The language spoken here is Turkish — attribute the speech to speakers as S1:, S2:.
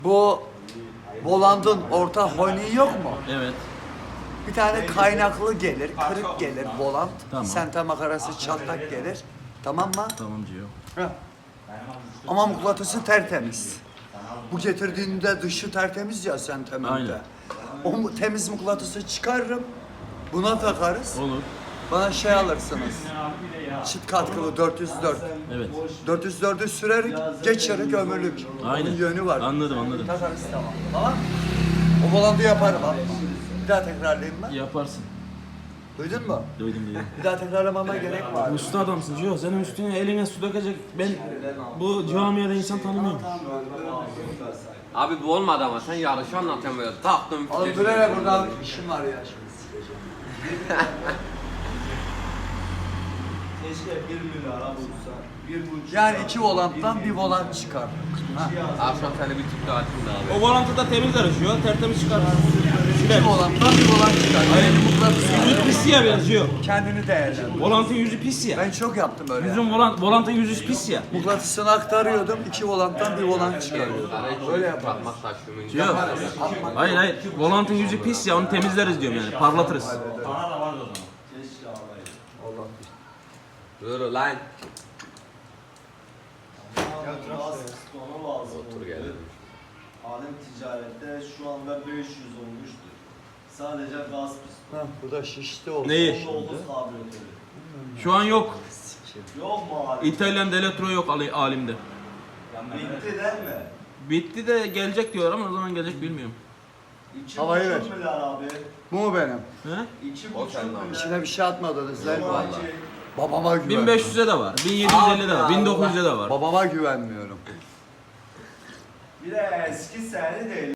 S1: Bu volantın orta hoyniği yok mu?
S2: Evet.
S1: Bir tane kaynaklı gelir, kırık gelir volant.
S2: Tamam.
S1: Sente makarası çatlak gelir. Tamam mı?
S2: Tamam Cio.
S1: Heh. Ama mıknatısı tertemiz. Bu getirdiğinde dışı tertemiz ya sentemende.
S2: Aynen.
S1: O temiz mıknatısı çıkarırım. Buna takarız.
S2: Olur.
S1: Bana şey alırsınız. Çift katkılı 404.
S2: Evet.
S1: 404'ü sürerik, geçerik ömürlük.
S2: Aynen.
S1: Bunun yönü var.
S2: Anladım.
S1: Takarız tamam. Tamam. O volantı yaparım abi. Bir daha tekrarlayayım ben.
S2: Yaparsın.
S1: Duydun mu?
S2: Duydum.
S1: Bir daha tekrarlamama gerek var.
S2: Usta adamsın Cio. Senin üstüne eline su dökecek. Ben bu camiada insan tanımıyorum.
S3: Abi bu olmadı ama sen yarışı anlatıyorsun böyle taktım.
S1: Oğlum böyle burada işim var ya şimdi sikeceğim.
S4: Keşke 1 milyara bulsa. 1,5.
S1: Yani iki volanttan bir volant çıkar. Ha.
S3: Akşam seni bir tip daha açayım da abi.
S2: O volantı da temiz arışıyor. Tertemiz çıkar.
S1: İki volanttan bir volant çıkar. Yani mıknatısı
S2: Yüzü pis ya biraz Cio.
S1: kendini değerlendir.
S2: Volantın yüzü pis ya.
S1: Ben çok yaptım böyle.
S2: Volantın yüzü pis ya.
S1: Mıknatısını aktarıyordum, iki volanttan bir volant çıkarıyordum.
S3: Böyle yaparım. Bak taşımın.
S2: Cio. Hayır. Volantın yüzü pis ya. Onu temizleriz diyorum yani. Parlatırız.
S4: Keşke alayım.
S3: Dur lan.
S4: Ona lazım.
S3: Otur gel.
S4: Alem ticarette şu anda 500 olmuştur. Sadece gaz pistonu.
S1: Hah, bu da şişti oldu.
S2: Neyi?
S4: 19 karbüratörü.
S2: Şu an yok.
S4: Yok mu abi?
S2: İtalyan Deletro yok alimde.
S4: Bitti değil mi?
S2: Bitti de gelecek diyor ama ne zaman gelecek bilmiyorum.
S1: Havayı ver.
S4: 2,5 milyar abi.
S1: Bu mu benim?
S2: He?
S4: 2,5 milyar.
S1: İçine bir şey atmadınız değil mi?
S4: Vallahi.
S1: Babama güvenmiyorum.
S2: 1500'e de var. 1750'de de var. 1900'e de var.
S1: Babama güvenmiyorum.
S4: Bir de eski seri değil.